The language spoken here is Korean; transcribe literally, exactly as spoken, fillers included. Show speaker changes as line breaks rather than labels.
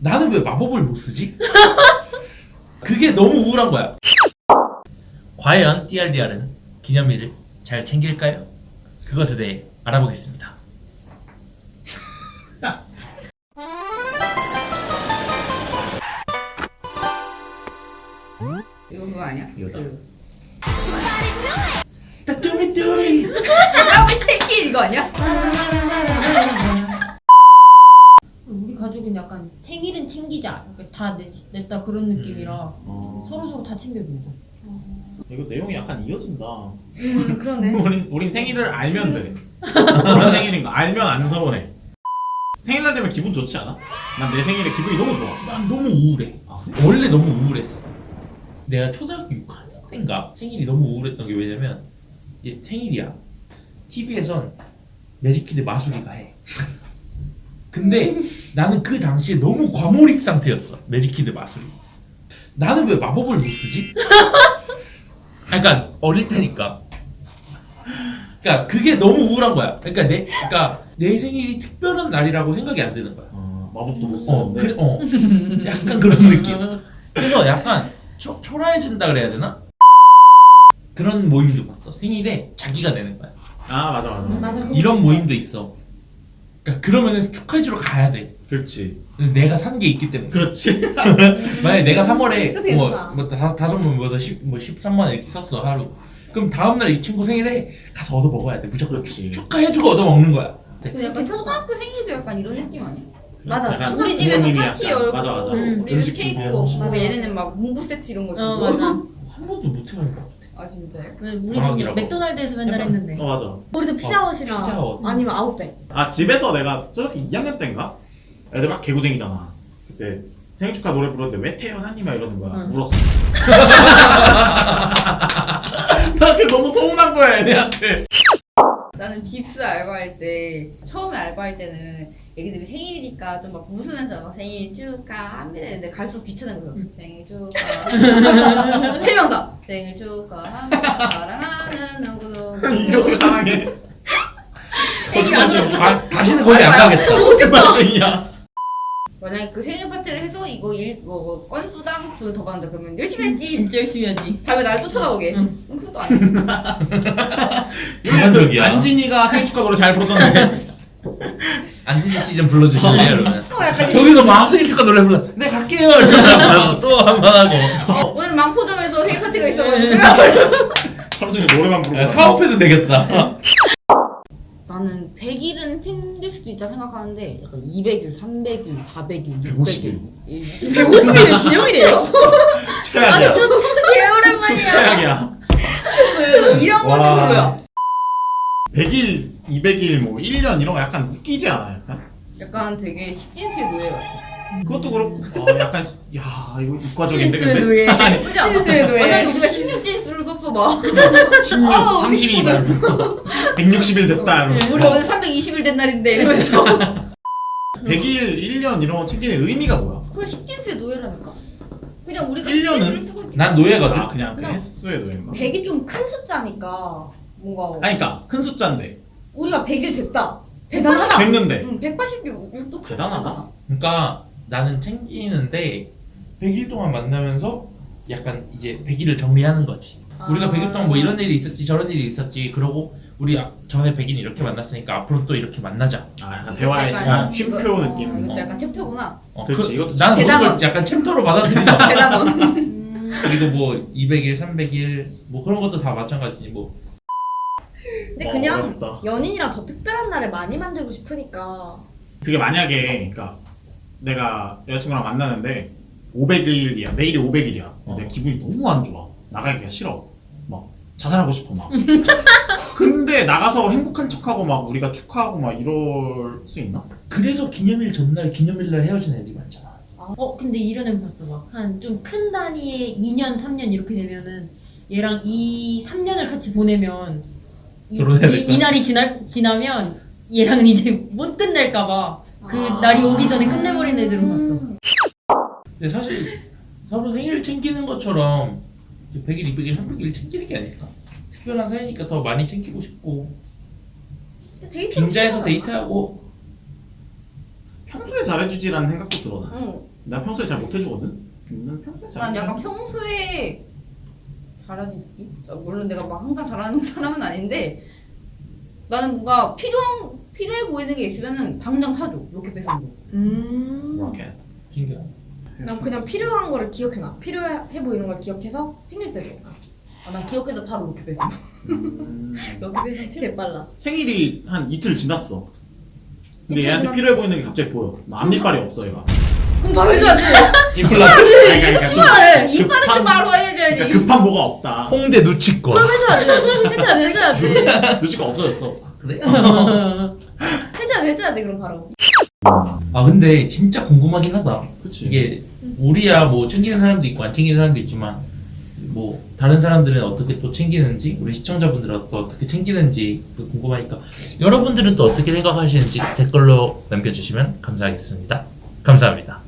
나는 왜 마법을 못 쓰지? 그게 너무 우울한 거야. 과연 띠알디알은 기념일을 잘 챙길까요? 그것에 대해 알아보겠습니다.
이거 그거 아니야?
이거다.
그
따뚜미뚜리
까비 테이키 이거 아니야?
우리 가족은 약간 생일은 챙기자, 약간 다 냈, 냈다 그런 느낌이라
어.
서로 서로 다 챙겨주고.
이거 내용이 약간 이어진다.
음 그러네.
우린, 우린 생일을 알면 돼. 서로 생일인 거 알면 안 서운해. 생일날 되면 기분 좋지 않아? 난 내 생일에 기분이 너무 좋아.
난 너무 우울해.
아,
원래 너무 우울했어. 내가 초등학교 육 학년 때인가 생일이 너무 우울했던 게 왜냐면 이제 생일이야. 티비에선 매직키드 마술이가 해. 근데 나는 그 당시에 너무 과몰입 상태였어. 매직키드 마술이. 나는 왜 마법을 못 쓰지? 그러니까 어릴 테니까. 그러니까 그게 너무 우울한 거야. 그러니까 내, 그러니까 내 생일이 특별한 날이라고 생각이 안 드는 거야.
어, 마법도 못
어,
쓰는데.
그래, 어, 약간 그런 느낌. 그래서 약간 초, 초라해진다 그래야 되나? 그런 모임도 봤어. 생일에 자기가 내는 거야.
아 맞아 맞아.
맞아.
이런 모임도 있어. 그러니까 그러면은 축하해주러 가야 돼.
그렇지.
내가 산 게 있기 때문에.
그렇지.
만약에 내가 삼월에
그것도
뭐,
괜찮다.
뭐 다섯 다섯 번 모여서 십, 뭐 십삼만 원 이렇게 썼어 하루. 그럼 다음 날 이 친구 생일에 가서 얻어 먹어야 돼. 무조건
그렇지.
축하해주고 얻어 먹는 거야. 네.
근데 약간 초등학교 생일도 약간 이런 느낌 아니야?
맞아.
약간
우리 집에서
부모님이
파티
약간-
열고
맞아 맞아.
음.
우리는
음식
케이크
준비하고.
먹고
맞아.
얘네는 막 문구 세트 이런 거 주고
어 맞아.
한 번도 못 해본 것 같아.
아 진짜요?
우리도
방학이라고.
맥도날드에서 맨날
해봐.
했는데.
어 맞아.
우리도 피자헛이랑
피자헛.
아니면 아웃백.
아 집에서 내가 저기 이 학년 때인가? 애들 막 개구쟁이잖아. 그때 생일 축하 노래 부르는데 왜 태어나니 막 이러는 거야.
응.
울었어. 나 그게 너무 서운한 거야 애들한테.
나는 빕스 알바할 때 처음에 알바할 때는 애기들이 생일이니까 좀 막 웃으면서 막 생일 축하합니다 이랬는데 갈수록 귀찮은 거죠.
응.
생일 축하 세 명 다 생일 축하합니다 사랑하는 누구누구
이게 어떻게 사랑해?
애기가 안 울었어.
다, 다시는 거기 안
알바야.
가겠다.
거짓말쟁이야.
만약에 그 생일 파티를 해서 이거 일, 뭐, 뭐 건수당 돈을 더 받는다 그러면 열심히 했지
진짜 열심히 하지.
다음에 나를 또 쳐다보게
응.
응. 그것도 아니야.
객관적이야.
안진이가 생일 축하 노래 잘 부르던데.
안진이 씨좀 불러주실래요, 그러면?
어, 약간
저기서 막 생일 축하 노래 불러. 네 갈게요. 이러다가 또 한 번 하고.
어, 오늘 망포점에서 생일 파티가 있어가지고
하루 종일 노래만 부르고.
야, 사업해도 되겠다.
나는 백 일은 챙길 수도 있다 생각하는데 약간 이백 일, 삼백 일, 사백 일,
백오십
육백
일.
일
백오십 일이 기념일이에요?
최악이야.
아니 진짜 개오랜만이야.
최악이야.
이런
와.
거좀 뭐야?
백 일, 이백 일, 뭐 일 년 이런 거 약간 웃기지 않아? 약간?
약간 되게 십진수의 노예 같아.
그것도 그렇고 어, 약간 시- 야 이거 이과적인데
진수의
근데
노예.
예쁘지 않아?
진수의 노예.
만약에 우리가 십육 진수를 썼어 봐.
십육,
아우,
삼십이
이쁘다.
이러면서 백육십 일 됐다 이러면서
우리 오늘 삼백이십 일 된 날인데 이러면서.
백 일, 일 년 이런 거 챙기는 의미가 뭐야?
그래 십진수의 노예라니까. 그냥 우리가
일 년은?
십진수를 쓰고 있기
난 노예거든.
아 그냥 그
그냥-
횟수의 노예인가?
백이 좀 큰 숫자니까 뭔가
아니 그니까 큰 숫자인데
우리가 백 일 됐다. 대단하다.
됐는데
응, 백팔십육도 큰
대단하다.
숫자잖아.
그러니까 나는 챙기는데 백 일 동안 만나면서 약간 이제 백 일을 정리하는 거지. 우리가
아.
백 일 동안 뭐 이런 일이 있었지 저런 일이 있었지 그러고 우리 아- 전에 백 일 이렇게 만났으니까 앞으로 또 이렇게 만나자.
아 약간
이것도
대화의
약간
시간,
이거-
쉼표
어,
느낌
이것도
어.
약간 챕터구나.
어,
그렇지, 이것도
나는 모든
대단원.
걸 약간 챕터로 받아들이나 봐.
대단원.
음.
그리고 뭐 이백 일, 삼백 일 뭐 그런 것도 다 마찬가지지 뭐.
근데
어,
그냥
어렵다.
연인이랑 더 특별한 날을 많이 만들고 싶으니까
그게 만약에 그니까 내가 여자친구랑 만나는데 오백 일이야 내일이 오백 일이야
어.
내 기분이 너무 안 좋아 나가기가 싫어 막 자살하고 싶어 막 근데 나가서 행복한 척하고 막 우리가 축하하고 막 이럴 수 있나?
그래서 기념일 전날 기념일날 헤어진 애들이 많잖아.
어 근데 이런 애 봤어 막 한 좀 큰 단위의 이 년, 삼 년 이렇게 되면은 얘랑 이 삼 년을 같이 보내면 이,
결혼해야
이,
될까?
이 날이 지날 지나면 얘랑 이제 못 끝낼까봐 그
아.
날이 오기 전에 끝내버린 애들은 봤어.
근데 사실 서로 생일 챙기는 것처럼 백 일, 이백 일, 삼백 일 챙기는 게 아닐까? 특별한 사이니까 더 많이 챙기고 싶고
데이트
빈자에서 데이트하고
평소에 잘해주지라는 생각도 들어 나
응.
나 평소에 잘 못해주거든. 난 평소에 잘.
난 약간
못해.
평소에 잘하지 느낌? 아, 물론 내가 막 항상 잘하는 사람은 아닌데 나는 뭔가 필요한 필요해 보이는 게 있으면은 당장 사줘. 로켓 배송 거.
음.
로켓.
신기하다.
난 그냥 필요한 거를 기억해놔. 필요해 보이는 걸 기억해서 생길 때 줘.
아, 난 기억해도 바로 로켓 배송.
음.
로켓 배송 팁.
개 빨라.
생일이 한 이틀 지났어. 근데
이틀
얘한테
지났-
필요해 보이는 게 갑자기 보여. 막 앞니빨이 없어 얘가.
그럼 바로 해줘야지.
임플란트.
아니, 그러니까 좀-
심하네.
이 빠르게
급한-
바로 해줘야지.
그러니까 급한 뭐가 없다.
홍대 누치권.
해줘야지. 해줘야지. 해줘야지.
눈치가 없어졌어.
그래?
해줘야지. 해줘야지. 그럼 바로.
아 근데 진짜 궁금하긴 하다.
그치.
이게 우리야 뭐 챙기는 사람도 있고 안 챙기는 사람도 있지만 뭐 다른 사람들은 어떻게 또 챙기는지 우리 시청자분들은 또 어떻게 챙기는지 궁금하니까 여러분들은 또 어떻게 생각하시는지 댓글로 남겨주시면 감사하겠습니다. 감사합니다.